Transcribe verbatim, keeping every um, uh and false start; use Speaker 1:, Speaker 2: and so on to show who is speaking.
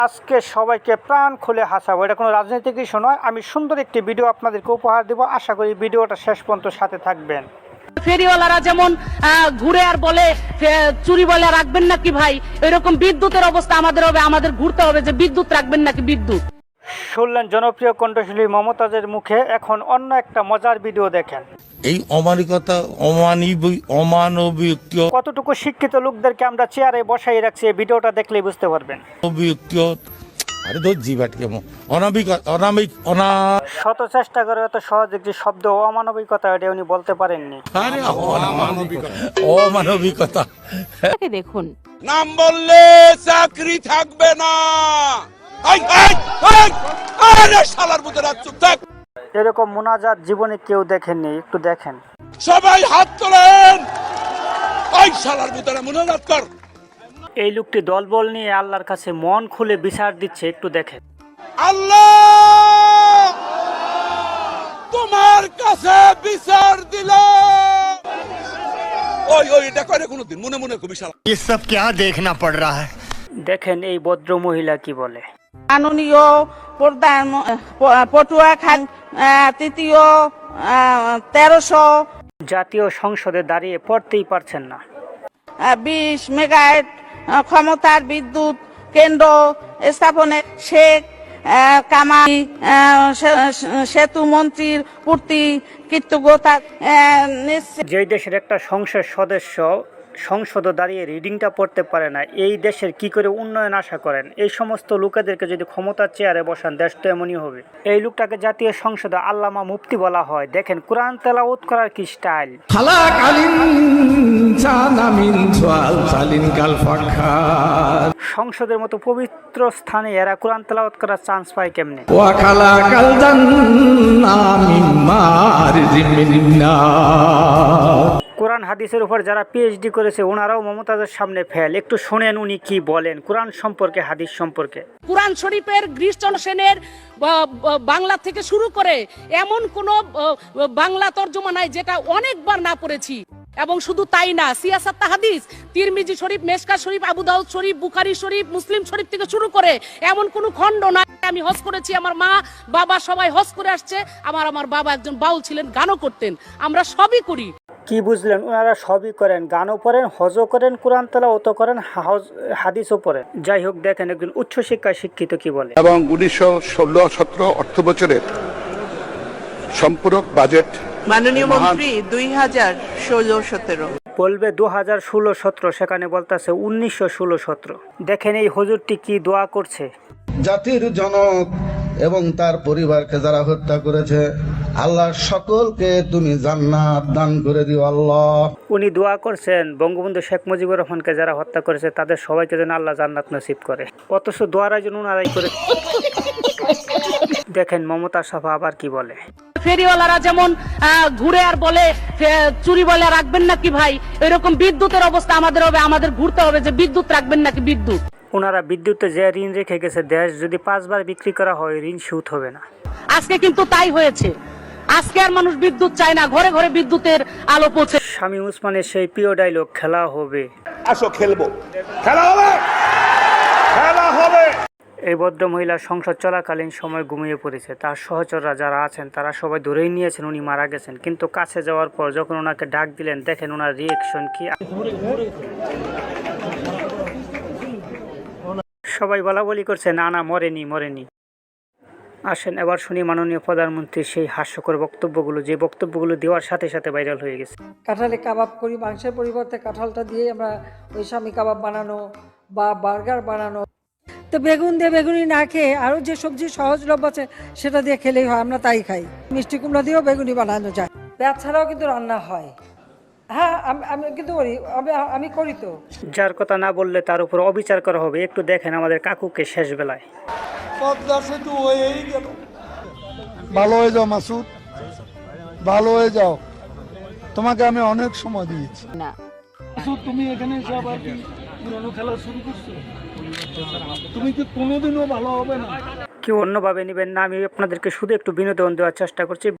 Speaker 1: আজকে সবাইকে প্রাণ খুলে হাসাবো, এটা কোনো রাজনৈতিক ইস্যু নয়। আমি সুন্দর একটি ভিডিও আপনাদেরকে উপহার দেবো, আশা করি ভিডিওটা শেষ পর্যন্ত সাথে থাকবেন।
Speaker 2: ফেরিওয়ালারা যেমন ঘুরে আর বলে চুরি বলে রাখবেন নাকি ভাই, এরকম বিদ্যুতের অবস্থা আমাদের হবে, আমাদের ঘুরতে হবে যে বিদ্যুৎ রাখবেন নাকি বিদ্যুৎ।
Speaker 1: শুনলেন জনপ্রিয় কণ্ঠশিল্পী মমতাজের মুখে, এখন অন্য একটা মজার ভিডিও দেখেন।
Speaker 3: এই অমানবিকতা অমানবিক
Speaker 1: কতটুকু শিক্ষিত লোকদেরকে আমরা চেয়ারে বসাই রাখছি, এই ভিডিওটা দেখলেই বুঝতে পারবেন।
Speaker 3: আরে তো জিবাটকে অনাবিক অনামিক অনা
Speaker 1: শত চেষ্টা করে এত সহজ একটি শব্দ অমানবিকতা এটা উনি বলতে পারেননি।
Speaker 3: আরে অমানবিকতা
Speaker 2: দেখুন,
Speaker 4: নাম বললে চাকরি থাকবে না।
Speaker 1: এরকম মুনাজাত জীবনে কেউ দেখেননি, একটু দেখেন।
Speaker 4: সবাই হাত তোলেন, ওই শালার ভিতরে মুনাজাত কর।
Speaker 1: এই লোকটি দলবল নিয়ে আল্লাহর কাছে মন খুলে বিচার দিচ্ছে, একটু দেখেন।
Speaker 4: আল্লাহ তোমার কাছে বিচার দিল। ওই ওই এটা করে কোনদিন মনে মনে খুব বিশাল।
Speaker 3: ये सब क्या देखना पड़ रहा है।
Speaker 1: দেখেন এই ভদ্র মহিলা কি বলে।
Speaker 2: মাননীয় প্রধান পটুয়া খান তৃতীয় তেরোশো
Speaker 1: জাতীয় সংসদে দাঁড়িয়ে পড়তেই পারছেন না।
Speaker 2: বিশ মেগাওয়াট ক্ষমতার বিদ্যুৎ কেন্দ্র স্থাপনে শেখ কামাল সেতু মন্ত্রীর পূর্তি কৃতজ্ঞতা।
Speaker 1: যেই দেশের একটা সংসদ সদস্য সংসদ দাঁড়িয়ে রিডিংটা পড়তে পারে না, এই দেশের কি করে উন্নয়ন আশা করেন? এই সমস্ত লোকেদেরকে যদি ক্ষমতার চেয়ারে বসান, দেশ তো এমনই হবে। এই লোকটাকে জাতীয় সংসদে আল্লামা মুফতি বলা হয়। দেখেন কোরআন তেলাওয়াত করার কি স্টাইল। সংসদের মতো পবিত্র স্থানে এরা কোরআন তেলাওয়াত করার চান্স পায় কেমনে? কোরআন হাদিসের উপর যারা পিএইচডি করেছে ওনারাও মমতাজের সামনে ফেল। একটু শোনেন উনি কি বলেন কোরআন সম্পর্কে, হাদিস সম্পর্কে।
Speaker 2: কোরআন শরীফের গ্রীষ্ম সেনের বাংলা থেকে শুরু করে এমন কোন বাংলা তর্জমা নাই যেটা অনেকবার না পড়েছি। এবং শুধু তাই না, সিয়াসাত হাদিস, তিরমিজি শরীফ, মেশকা শরীফ, আবু দাউদ শরীফ, বুখারী শরীফ, মুসলিম শরীফ থেকে শুরু করে এমন কোন খণ্ড নাই। আমি হজ করেছি, আমার মা বাবা সবাই হজ করে আসছে। আমার আমার বাবা একজন বাউল ছিলেন, গানও করতেন। আমরা সবই করি।
Speaker 1: কি বুঝলেন? ওনারা সবই করেন, গানও করেন, হজও করেন, কোরআন তেলাওয়াতও করেন, হাদিসও পড়েন। যাই হোক, দেখেন একজন উচ্চ শিক্ষায় শিক্ষিত কি বলে।
Speaker 5: এবং উনিশশো ষোলো সতেরো অর্থ বছরের সম্পূরক বাজেট
Speaker 6: মাননীয় মন্ত্রী দুই হাজার ষোলো সতেরো
Speaker 1: বলবে দু হাজার ষোলো সতেরো, সেখানে বলতেছে উনিশশো ষোলো সতেরো। দেখেন এই হুজুরটি কি দোয়া করছে।
Speaker 7: জাতির জনক এবং তার পরিবারকে যারা হত্যা করেছে, আল্লাহ সকলকে তুমি জান্নাত দান করে দিও আল্লাহ।
Speaker 1: উনি দোয়া করছেন বঙ্গবন্ধু শেখ মুজিবুর রহমানকে যারা হত্যা করেছে তাদের সবাইকে যেন আল্লাহ জান্নাত নসিব করে। অথচ দোয়ার আয়োজন উনারাই করে। দেখেন মমতা সাফা আবার কি বলে।
Speaker 2: ফেরিওয়ালারা যেমন ঘুরে আর বলে চুরি বলে রাখবেন নাকি ভাই, এরকম বিদ্যুতের অবস্থা আমাদের হবে, আমাদের ঘুরতে হবে যে বিদ্যুৎ রাখবেন নাকি বিদ্যুৎ।
Speaker 1: ওনারা বিদ্যুতে যে ঋণ রেখে গেছে, দেশ যদি পাঁচবার বিক্রি করা হয় ঋণ সুদ হবে না।
Speaker 2: আজকে কিন্তু তাই হয়েছে। আজকে আর মানুষ বিদ্যুৎ চায় না, ঘরে ঘরে বিদ্যুতের আলো পৌঁছে।
Speaker 1: শামীম ওসমানের সেই প্রিয় ডায়লগ, খেলা হবে।
Speaker 4: আসো খেলবো, খেলা হবে, খেলা হবে।
Speaker 1: এই ভদ্র মহিলা সংসদ চলাকালীন সময় ঘুমিয়ে পড়েছে। তার সহচররা যারা আছেন তারা সবাই ধরেই নিয়েছেন উনি মারা গেছেন, কিন্তু কাছে যাওয়ার পর যখন ওনাকে ডাক দিলেন, দেখেন ওনার রিয়েকশন কি। সবাই বলা বলি করছে না না মরেনি মরেনি। আসেন এবার শুনি মাননীয় প্রধানমন্ত্রীর সেই হাস্যকর বক্তব্যগুলো, যে বক্তব্যগুলো দেওয়ার সাথে সাথে ভাইরাল হয়ে গেছে।
Speaker 8: কাঁঠালে কাবাব করি, মাংসের পরিবর্তে কাঁঠালটা দিয়ে আমরা ওই স্বামী কাবাব বানানো বা বার্গার বানানো। তো বেগুন দিয়ে বেগুনি না খেয়ে আরও যে সবজি সহজলভ্য আছে সেটা দিয়ে খেলেই হয়, আমরা তাই খাই। মিষ্টি কুমড়া দিয়েও বেগুনি বানানো যায়। পেঁয়াজ ছাড়াও কিন্তু রান্না হয়। হ্যাঁ আমি কিন্তু করি, আমি করি। তো
Speaker 1: যার কথা না বললে তার উপর অবিচার করা হবে। একটু দেখেন আমাদের কাকুকে শেষ বেলায়।
Speaker 9: ভালো হয়ে যাও মাসুদ, ভালো হয়ে যাও, তোমাকে আমি অনেক সময় দিয়েছি না। তুমি এখানে এসে আবার কি পুরনো খেলা শুরু করছো? তুমি কি কোনোদিনও ভালো হবে না?
Speaker 1: কেউ অন্যভাবে নেবেন না, আমি আপনাদেরকে শুধু একটু বিনোদন দেওয়ার চেষ্টা করছি।